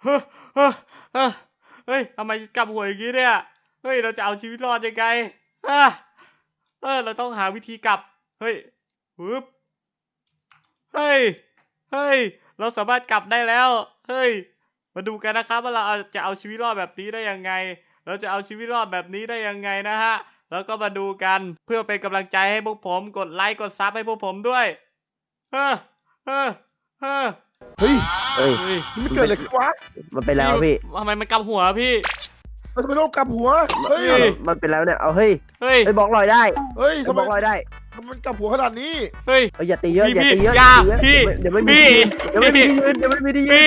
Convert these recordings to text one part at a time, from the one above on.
เฮ้ยเฮ้ยเฮ้ยเฮ้ยทำไมกลับหัวอย่างนี้เนี่ยเฮ้ยเราจะเอาชีวิตรอดยังไงอ่ะเราต้องหาวิธีกลับเฮ้ยปึ๊บเฮ้ยเฮ้ยเราสามารถกลับได้แล้วเฮ้ยมาดูกันนะครับว่าเราจะเอาชีวิตรอดแบบนี้ได้ยังไงเราจะเอาชีวิตรอดแบบนี้ได้ยังไงนะฮะแล้วก็มาดูกันเพื่อเป็นกำลังใจให้พวกผมกดไลค์กดซับให้พวกผมด้วยเฮ้ยเฮ้ยเฮ้ยเฮ้ยเฮ้ยเฮ้ยมันเกิดอะไรขึ้นวะมันเป็นแล้วพี่ทำไมมันกำหัวพี่มันทำไมโลกกลับหัวเฮ้ยเฮ้ยมันเป็นแล้วเนี่ยเอาเฮ้ยเฮ้ยเฮ้ยบล็อกลอยได้เฮ้ยเฮ้ยทำบไมล็อกลอยได้มันกลับหัวขนาดนี้เฮ้ยเฮ้ยอย่าตีเยอะอย่าตีเยอะอย่าตีเยอะพี่เดี๋ยวไม่มีพี่เดี๋ยวไม่มีที่ยืนเดี๋ยวไม่มีที่ยืนพี่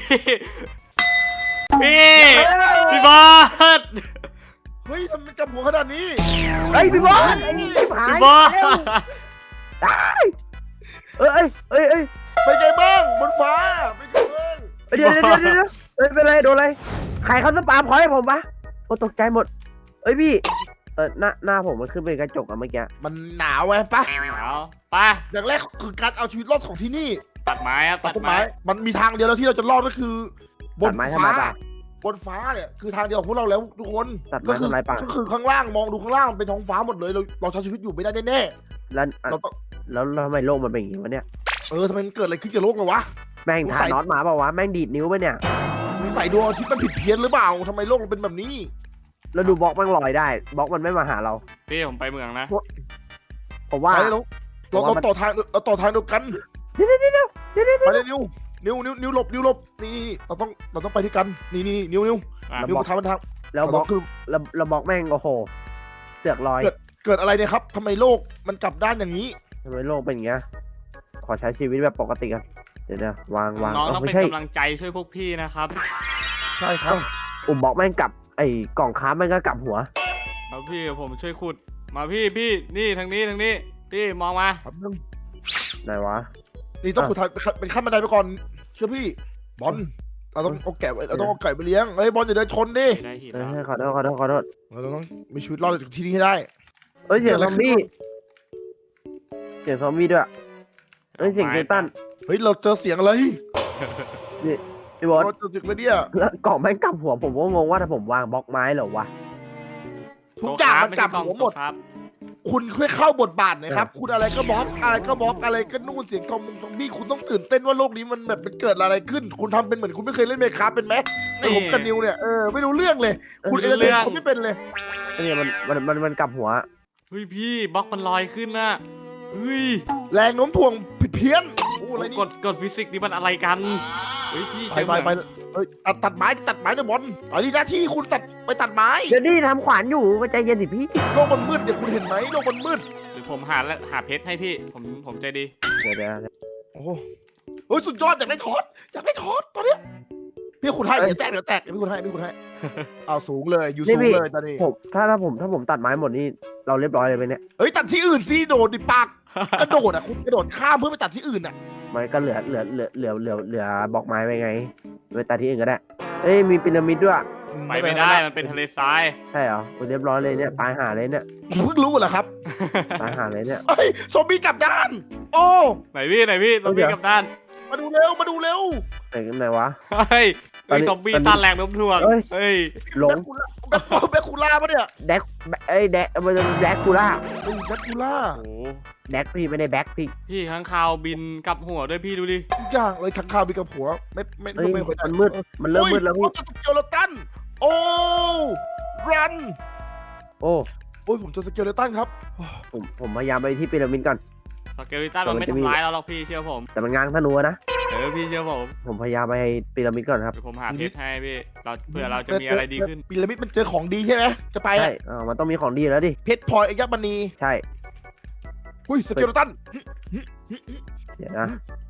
พี่บอสเฮ้ยทำไมกลับหัวขนาดนี้เฮ้ยพี่บอสไอ้นี่ชิบหายพี่บอสเร็วได้เอ้ยเอ้ยเอ้ยไปไงบ้างบนฟ้าไปไงบ้างเอ้ยเดี๋ยวเอ้ยเป็นไรโดนอะไรใครเขาสปามพอยให้ผมปะโอ้ตกใจหมดเอ้ยพี่หน้าผมมันขึ้นเป็นกระจกอะเมื่อกี้มันหนาวไงปะเอาไปอย่างแรกคือการเอาชีวิตรอดของที่นี่ตัดไม้ครับตัตัดดต้นไม้ไม้มันมีทางเดียวแล้วที่เราจะรอดก็คือ บตันดไม้ทำไมฟ้าปะบนฟ้าเนี่ยคือทางเดียวของพวกเราแล้วทุกคนตัดไม้ทำไรปะก็คือข้างล่างมองดูข้างล่างเป็นท้องฟ้าหมดเลยเราใช้ชีวิตอยู่ไม่ได้แน่แล้วๆเราต้องแล้วทำไมโลกมันเป็นอย่างนี้วะเนี่ยทำไมมันเกิดอะไรขึ้นกับโลกเราวะแม่งทานอตมาเปล่าวะแม่งดีดนิ้วไปเนี่ยมีใส่ดวงอาทิตย์มันผิดเพี้ยนหรือเปล่าทำไมโลกมันเป็นแบบนี้แล้วดูบล็อกมันลอยได้บล็อกมันไม่มาหาเราพี่ผมไปเมืองนะผมว่าไปเราต่อทางเดียวกันเดี๋ยวไปเลยนิ้วหลบนี่เราต้องไปด้วยกันนี่นิ้วอ่ะนิ้วมาทางมันทางแล้วบล็อกคือแล้วบล็อกแม่งโอ้โหเสือกลอยเกิดอะไรเนี่ยครับทำไมโลกมันกลับด้านอย่างนี้ทำไมโลกเป็นอย่างเงี้ยขอใช้ชีวิตแบบปกติกันเดี๋ยวนะวางน้องต้องไม่เป็นใช่กำลังใจช่วยพวกพี่นะครับใช่ครับบล็อกแม่งกลับไอ้กล่องค้าแม่งก็กลับหัวเอาพี่ผมช่วยขุดมาพี่นี่ทางนี้พี่มองมาครับนึงไหนวะนี่ต้องขุดทางเป็นขั้นบันไดไปก่อนเชื่อพี่บอลเราต้องเอาแกะเราต้องเอาไก่ไปเลี้ยงเฮ้ยบอลอย่าเดินชนดิได้หินเอแล้วอขอโทษเราต้องมีชีวิตรอดจากที่นี่ให้ได้เอ้ยเสียงซอมบี้เสียงซอมบี้ด้วยเอ้ยเสียงเจตันเฮ้ยเราเจอเสียงอะไรพี่บอสเราเจอเสียงอะไรเนี่ยแล้วกล่องแม่งกลับหัวผมก็งงว่าถ้าผมวางบล็อกไม้เหรอวะทุกอย่างมันกลับหัวหมดครับคุณค่อยเข้าบทบาทหนะครับ คุณอะไรก็บล็อกอะไรก็นู่นเสียงทอมบี้คุณต้องตื่นเต้นว่าโลกนี้มันแบบมันเกิดอะไรขึ้น คุณทำเป็นเหมือนคุณไม่เคยเล่นเมคาเป็นไหมไอ้ผมกับนิวเนี่ยไม่รู้เรื่องเลย คุณเอเคุณไม่เป็นเลยเนี่ยมันกลับหัวเฮ้ยพี่บล็อกมันลอยขึ้นน่ะเฮ้ยแรงโน้มถ่วงผิดเพี้ยนโอ้อะไรนี่กฎฟิสิกส์นี่มันอะไรกันเฮ้ยพี่ไปเอ้ยตัดไม้เนี่ยบอลอันนี้หน้าที่คุณไปตัดไม้เดี๋ยวนี่ทำขวานอยู่ใจเย็นสิพี่โลกมันมืดเนี่ยคุณเห็นไหมโลกมันมืดหรือผมหาเพชรให้พี่ผมใจดีเดี๋ยวโอ้โหเฮ้ยสุดยอดอยากได้ทอดตอนเนี้ยพี่คุณให้เดี๋ยวแตกพี่คุณให้เอาสูงเลยอยู่สูงเลยตอนนี้ผมถ้าผมตัดไม้หมดนี่เราเรียบร้อยเลยไหมเนี่ยเฮ้ยตัดที่อื่นสิโดดดิปากกระโดดอ่ะคุณกระโดดข้ามเพื่อไปตัดที่อื่นอ่ะมันก็เหลือบอกไม้ไปไงไปตัดที่อื่นก็ได้เอ้ยมีพีระมิดด้วยไปไม่ได้มันเป็นทะเลทรายใช่เหรอเรียบร้อยเลยเนี่ยตายหาเลยเนี่ยเพิ่งรู้เหรอครับตายหาเลยเนี่ยเฮ้ยซอมบี้กลับด้าน โอ้ไหนพี่ซอมบี้กับด้านมาดูเร็วไหนวะเฮ้ยซอมบี้ต้านแรงโน้มถ่วงเฮ้ยหลงแบคคูล่าปะเนี่ยแดกมันแดกคูล่าแบคคูล่าโอ้แดกพี่ไม่ได้แบ็คพี่พี่ข้างคาวบินกับหัวด้วยพี่ดูดิทุกอย่างเลยทั้งข้าวมีกับหัวไม่เฮ้ยไม่มันมืดมันเริ่มมืดแล้วพี่โอ้ยสเกลตันโอ้รันโอ้โอ้ยผมเจอสเกลตันครับผมพยายามไปที่พีระมิดก่อนสเกลิตันมันไม่ทำร้ายเราหรอกพี่เชื่อผมแต่มันง้างธนูนะพี่เชื่อผมผมพยายามไปพีระมิดก่อนครับเดี๋ยวผมหาเพชรให้พี่เผื่อเราจะมีอะไรดีขึ้นพีระมิดมันเจอของดีใช่ไหมจะไปใช่มันต้องมีของดีแล้วดิเพชรพลอยอัญมณีใช่อุ้ยสเกลตันเดี๋ยวนะ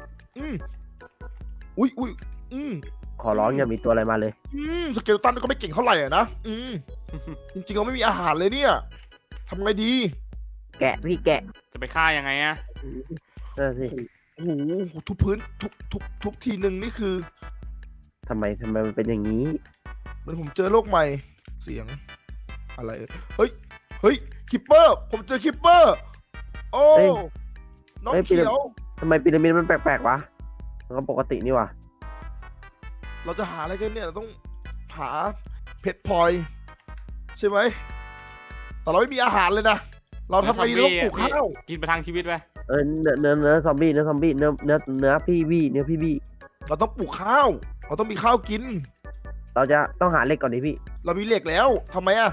อุ้ยขอร้องอย่ามีตัวอะไรมาเลยสเกลตันก็ไม่เก่งเท่าไหร่อะนะจริงๆเราไม่มีอาหารเลยเนี่ยทำไงดีแกะพี่แกะจะไปฆ่ายังไงอะสิโอ้โหทุบพื้นทุบทีหนึ่งนี่คือทำไมมันเป็นอย่างนี้เหมือนผมเจอโลกใหม่เสียงอะไรเฮ้ยคิปเปอร์ผมเจอคิปเปอร์โอ้น้องเขียวทำไมพีระมิดมันแปลกๆวะมันก็ปกตินี่วะเราจะหาอะไรกันเนี่ยเราต้องหาเพชรพลอยใช่ไหมแต่เราไม่มีอาหารเลยนะเราทำไงดีเราต้องปลูกข้าวกินประทังชีวิตไปเนื้อซอมบี้เนื้อซอมบี้เนื้อพี่บี้เนื้อพี่บี้เราต้องปลูกข้าวเราต้องมีข้าวกินเราจะต้องหาเหล็กก่อนดิพี่เรามีเหล็กแล้วทำไมอ่ะ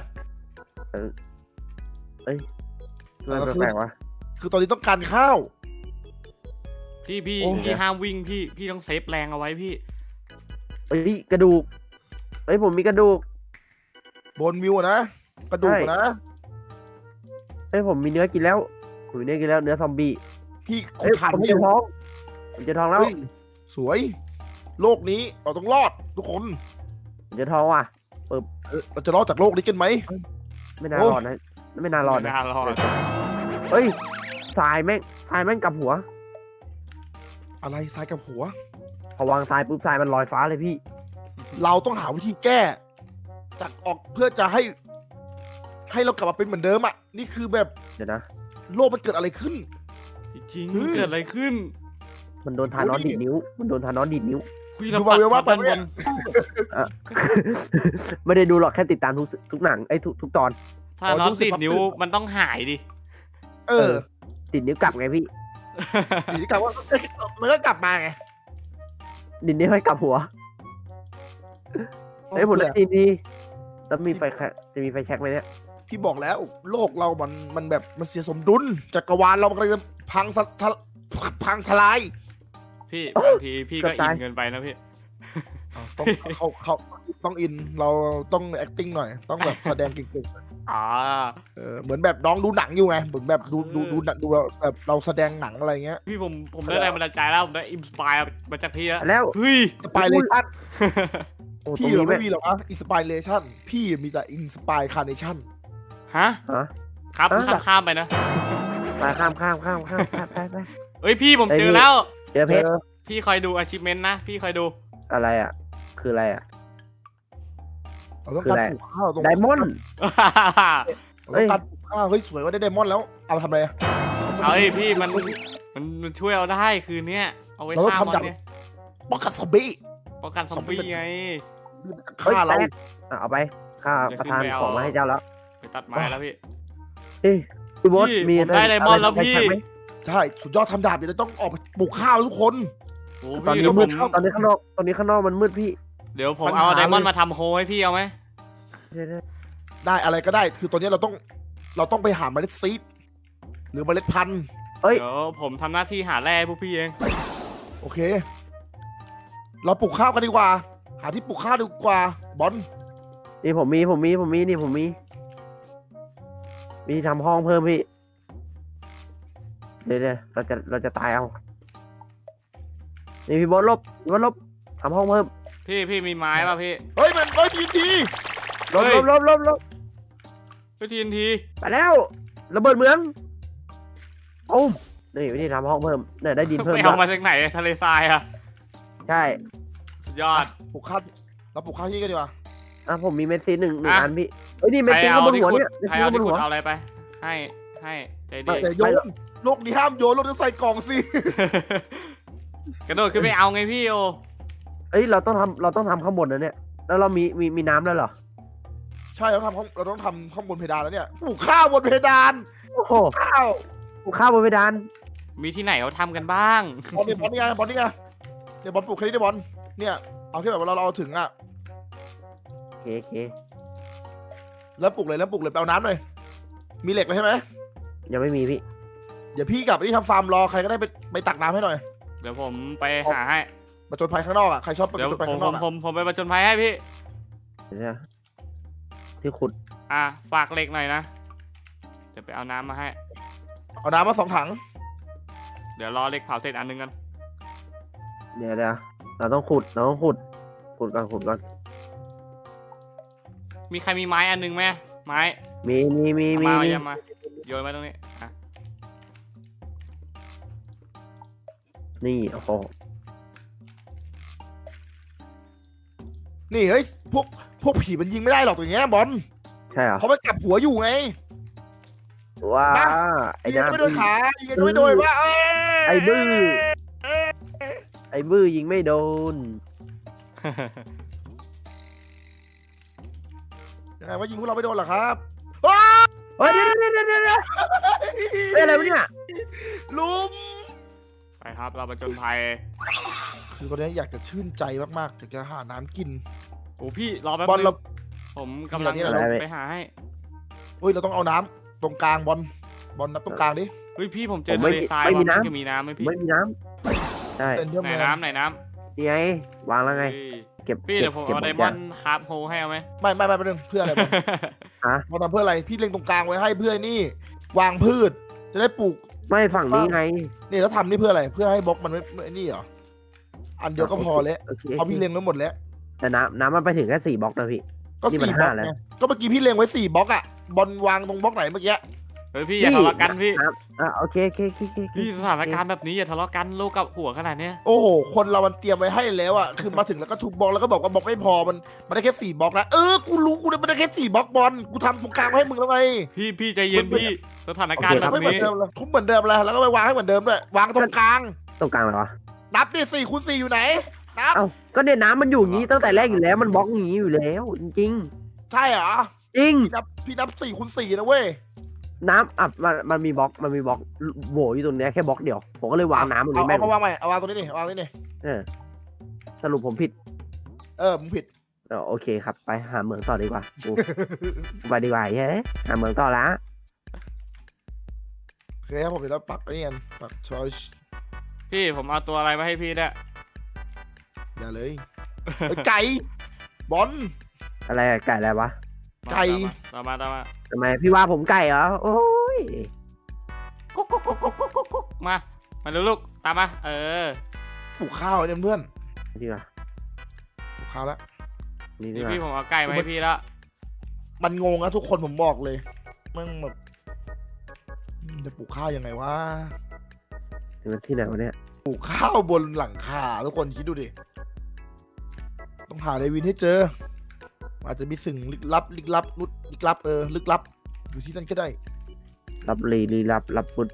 มันแปลกๆวะคือตอนนี้ต้องการข้าวพี่โอ้พี่ห้ามวิ่งพี่ต้องเซฟแรงเอาไว้พี่เอ้ยกระดูกเอ้ยผมมีกระดูกบนวิวอะนะกระดูกอะนะเอ้ยผมมีเนื้อกินแล้วผมมีเนื้อกินแล้วเนื้อซอมบี้พี่เอ้ยขาดผมวิเจวอทองผมเจอทองแล้วเฮ้ยสวย โลกนี้เราต้องรอดทุกคนผมเจอทองว่ะเราจะรอดจากโลกนี้กันไหมไม่น่ารอดนะไม่น่ารอดไม่นะน่ารอดเฮ้ยทรายแม่งกลับหัวอะไรทรายกับหัวพอวางทรายปุ๊บทรายมันลอยฟ้าเลยพี่เราต้องหาวิธีแก้จากออกเพื่อจะให้เรากลับมาเป็นเหมือนเดิมอ่ะนี่คือแบบเดี๋ยวนะโลกมันเกิดอะไรขึ้นจริงเฮ้ยเกิดอะไรขึ้นมันโดนทานอสดีดนิ้ว มันโดนทานอสดีดนิ้วคุยดูเรามาเวลว่าปัดไปด้านเนี่บยนไม่ได้ดูหรอกแค่ติดตามทุกหนังไอ้ทุกตอนถ้าน็อตติดนิ้วมันต้องหายดิเออติดนิ้วกลับไงพี่ทีนี้กลับว่ามันก็กลับมาไงดินนิ้วให้กลับหัวไอ้ยผมได้ทีนี้แล้วมีไฟแช็กจะมีไฟแช็กไหมเนี่ยพี่บอกแล้ว โลกเรามันแบบมันเสียสมดุลจักรวาลเรามันกำลังจะพังทลายพี่บางทีพี่ก็อินเกินไปนะพี่ต้องเขาต้องอินเราต้อง acting หน่อย ต้องแบบแสดงเก่งอ่าๆเหมือนแบบน้องดูหนังอยู่ไงเหมือนแบบดูแบบเราแสดงหนังอะไรเงี้ยพี่ผมได้แรงบันดาลใจแล้วผมได้อินสปายมาจากพี่แล้วแล้วเฮ้ยสปายเลชั่นโอ้ตรพี่งนี้ไม่มีหรอกนะอินสปายเลชั่นพี่มีแต่อินสปายคาร์เนชั่นฮะฮะครับ ข้ามไปนะไปข้ามไปเอ้ยพี่ผมไอ้เจนี่อแล้วเจอเพชรพี่คอยดู achievement นะ พี่คอยดูอะไรอ่ะ คืออะไรอ่ะเราต้องการปลูกข้าวตรงไดมอนด์เราต้องการปลูกข้าวเฮ้ยสวยว่าได้ไดมอนด์แล้วเอามาทำอะไรอะเอ้ยพี่มันช่วยเอาได้คืนเนี้ยเอาไว้เราต้องฆ่ามอนทำดาบเนี่ยป้องกันซอมบี้ป้องกันซอมบี้ไงเฮ้ยฆ่าเราแตกเอาไปข้าประทานของมาให้เจ้าแล้วไปตัดไม้แล้วพี่เฮ้ยพี่บอสพี่มีผมได้ไดมอนด์แล้วพี่ใช้ไหมใช่สุดยอดทำดาบเดี๋ยวจะต้องออกไปปลูกข้าวทุกคนโอ้ตอนพี่นี้เดี๋ยวผมืดมตอนนี้ข้างนอกมันมืดพี่เดี๋ยวผมปัญหาเอาไดมอนด์เลยมาทำโฮให้พี่เอาไหมเดี๋ยวได้อะไรก็ได้ คือตอนนี้เราต้องไปหาเมล็ดซีดหรือเมล็ดพันธุ์เฮ้ยเดี๋ยวผมทำหน้าที่หาแร่ให้พวกพี่เองโอเค เราปลูกข้าวกันดีกว่า หาที่ปลูกข้าวดีกว่าบอลนี่ผมมีนี่ผมมีทำห้องเพิ่มพี่เดี๋ยวเราจะตายเอานี่พี่บอสลบทำห้องเพิ่มพี่มีไม้ป่ะพี่เฮ้ยมันทีลบเฮ้ยลบไปทีนทีไปแล้วระเบิดเมืองโอ้มนี่วิธีทำห้องเพิ่มเนี่ยได้ดินเพิ่มไปด้เอาวยมาจากไหนทะเลทรายอะใช่สุดยอดปลูกข้าวเราปลูกข้าวที่กันดีกว่าอ่ะผมมีเมสซีหนึ่งอ่ะอันพี่เอ้ยนี่เมสใครซีเอาข้างบนที่หัวขุดเนี่ยใครเอาเมสที่ซีขุข้างบนหัวดเอาอะไรไป ให้ใจดีแต่โยนโลกนี้ห้ามโยนโลกนี้ใส่กล่องสิกระโดดขึ้นไปเอาไงพี่โอเอ้ยเราต้องทำข้างบนนะเนี่ยแล้วเรามีน้ำแล้วเหรอใช่เราต้องทำข้างบนเพดานแล้วเนี่ยปลูกข้าวบนเพดานโอ้โหข้าวปลูกข้าวบนเพดานมีที่ไหนเขาทำกันบ้างบอลนี่ไงเดี๋ยวบอลปลูกแค่นี้ได้บอลเนี่ยเอาที่แบบเราเอาถึงอ่ะโอเคแล้วปลูกเลยไปเอาน้ำหน่อยมีเหล็กเลยใช่ไหมยังไม่มีพี่เดี๋ยวพี่กับที่ทำฟาร์มรอใครก็ได้ไปตักน้ำให้หน่อยเดี๋ยวผมไปหาให้ประจนภัยข้างนอกอ่ะใครชอบประเดี๋ยวจนภัยผมข้างนอกอ่ะผมไปประจนภัยให้พี่เดี๋ยวนะที่ขุดฝากเหล็กหน่อยนะ เดี๋ยวไปเอาน้ำมาให้เอาน้ำมา2 ถังเดี๋ยวรอเหล็กเผาเสร็จอันนึงกันเดี๋ยวเราต้องขุดก่อนมีใครมีไม้อันนึงไหมไม้มีเอามาโยนไว้ตรงนี้อ่ะนี่โอ้โหนี่เฮ้ยพวกผีมันยิงไม่ได้หรอกอย่างเงี้ยบอลใช่เหรอเพราะมันกลับหัวอยู่ไงว้ามาไอ้ยิงก็น้ำไม่โดนขายิงก็ไม่โดนว่าไอ้บื้อยิงไม่โดนยังไงว่ายิงพวกเราไม่โดนเหรอครับเฮ้ยเดี๋ยวเป็นอะไรวะเนี่ยลุมไปครับเราไปจนภัยคือตอนนี้อยากจะชื่นใจมากๆอยากจะหาน้ำกินโอ้พี่รอแป๊บบอลนึเรางผมกำลังมีอะไรเนี่ยไปหาให้เฮ้ยเราต้องเอาน้ำตรงกลางบอลนับตรงกลางดิเฮ้ยพี่ผมเจอทะเลทรายไม่มีว่ะน้ำจะมีน้ำไหมพี่ไม่มีน้ำใช่เป็นเรื่องไหนแมน้ำไหนน้นี่ไงวางแล้วำไงเฮ้ยเก็บพี่เดี๋ยวผมก็บเอาไดหมดอนด์คราฟโฮให้เอาไหมไม่เป็นเรื่องเพื่ออะไรบอลฮะบอลทำเพื่ออะไรพี่เล็งตรงกลางไว้ให้เพื่อนี่ วางพืชจะได้ปลูกไม่ฝั่งนี้ไงนี่แล้วทำนี่เพื่ออะไรเพื่อให้บล็อกมันไม่นี่เหรออันเดียวก็พอแล้วโอเคเพราะพี่เล็งไว้หมดแล้วแต่น้ำมันไปถึงแค่4 บล็อกนะพี่ก็นี่มัน 4 บล็อก 5แล้วไงก็เมื่อกี้พี่เล็งไว้4 บล็อกอ่ะบอลวางตรงบล็อกไหนเมื่อกี้เฮ้ยพี่อย่าทะเลาะกันพี่โอเคพี่สถานการณ์แบบนี้อย่าทะเลาะกันโลกกับหัวขนาดเนี้ยโอ้โหคนเรามันเตรียมไว้ให้แล้วอ่ะคือมาถึงแล้วก็ทุบบล็อกแล้วก็บอกว่าบล็อกไม่พอมันได้แค่4 บล็อกนะกูรู้กูได้แค่4 บล็อกบอลกูทำตรงกลางไว้ให้มึงแล้วไงพี่ใจเย็นพี่สถานการณ์แบบไม่เหมือนี้นเดิมเลยทุบเหมือนเดิมเลยแล้วก็ไปวางให้เหมือนเดิมด้วยวางตรงกลางตรงกลางเลยวะนับดิ4 คูณ 4อยู่ไหนนับเอ้าก็เนี่ยน้ำมันอยู่อย่างนี้ตั้งแต่แรกอยู่แล้วมันบล็อกอย่างนี้อยู่แล้ว จริงใช่เหรอจริงพี่นับ4 คูณ 4นะเว้ยน้ำมันมีบล็อกโหวอยู่ตรงเนี้ยแค่บล็อกเดียวผมก็เลยวางน้ำตรงนี้แม่งเอามาวางใหม่เอาวางตรงนี้นี่วางนี่นี่สรุปผมผิดมึงผิดโอเคครับไปหาเหมืองต่อดีกว่ากูไปดีกว่าเฮ้ยหาเหมืองต่อละโอเคครับผมเดี๋ยวเราปักนี่กันปักชอยพี่ผมเอาตัวอะไรมาให้พี่เนี่ยอย่าเลยไก่บอลอะไรอะไก่อะไรวะไก่ตามมาทำไมพี่ว่าผมไก่เหรอโอ้ยกุ๊กมาเร็วลูกตามมาปลูกข้าวเนี่ยเพื่อนดีกว่าปลูกข้าวแล้วนี่ดีนี่กว่าพี่ผมเอาไก่มาให้พี่แล้วมันงงนะทุกคนผมบอกเลยมันแบบจะปลูกข้าวยังไงวะมันที่ไหนวะเนี่ยปลูกข้าวบนหลังคาทุกคนคิดดูดิต้องหาเดวินให้เจออาจจะมีสิ่งลึกลับลึกลับลึกลับอยู่ที่นั่นก็ได้รับรับพุทธ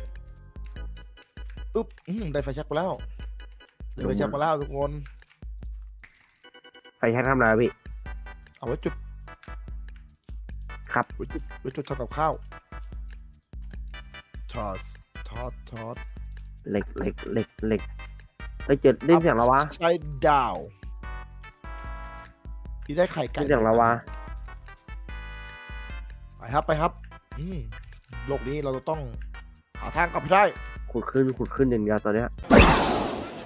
อุ๊บได้ไฟแช็กมาแล้วได้ไฟแช็กมาแล้วทุกคนไฟแช็กทำอะไรวะพี่เอาไว้จุดครับไว้จุดทำกับข้าวทอดเหล็กไปเจอได้เสียงแล้ววะใช้ดาวที่ได้ไข่ไก่ได้เสียงแล้ววะไปครับโลกนี้เราจะต้องหาทางกลับให้ได้ขุดขึ้นอย่างเดียวตอนเนี้ย